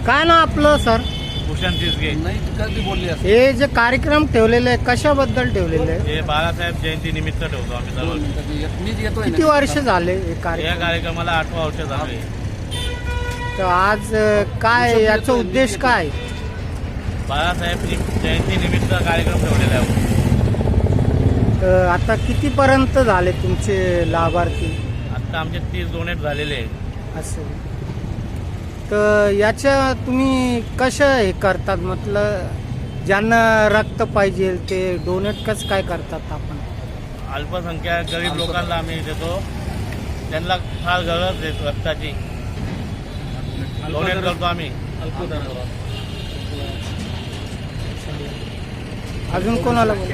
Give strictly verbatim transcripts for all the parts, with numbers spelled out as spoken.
काय ना आपलं सर? भूषण तिसगे. नाही कधी बोलली असं. हे जे कार्यक्रम ठेवलेले आहे कशाबद्दल ठेवलेले आहे? हे बाळासाहेब जयंती निमित्त ठेवतो आम्ही दरवर्षी. मीच येतोय किती वर्ष झाले हे या कार्यक्रम? कार्यक्रमाला आठवा वर्ष झाले. तर आज अ, काय याचा उद्देश काय? बाळासाहेब जयंती निमित्त कार्यक्रम ठेवलेला आहे. तर आता कितीपर्यंत झाले तुमचे लाभार्थी? आता आमचे तीस डोनेट झालेले आहे. असं तर याच्या तुम्ही कसं हे करतात? म्हटलं ज्यांना रक्त पाहिजे ते डोनेट कसं काय करतात आपण? अल्पसंख्याक गरीब लोकांना आम्ही देतो, त्यांना फार गरज आहे रक्ताची, डोनेट करतो आम्ही. अजून कोणाला बोला?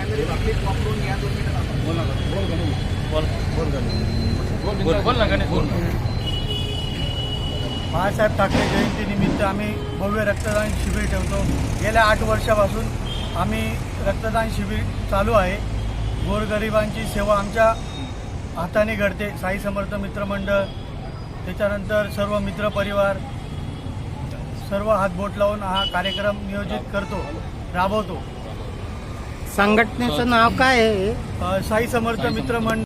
बोल बोल ना गणेश बोल. बाळासाहेब ठाकरे जयंती निमित्त आम्ही भव्य रक्तदान शिबिर ठेवतो. गेल्या आठ वर्षापासून आम्ही रक्तदान शिबिर चालू आहे. गोरगरिबांची सेवा आमच्या हाताने घडते. साई समर्थ मित्रमंडळ, त्याच्यानंतर सर्व मित्रपरिवार सर्व हातबोट लावून हा कार्यक्रम नियोजित करतो, राबवतो. संघटनेचं नाव काय आहे? अ, साई समर्थ मित्रमंडळ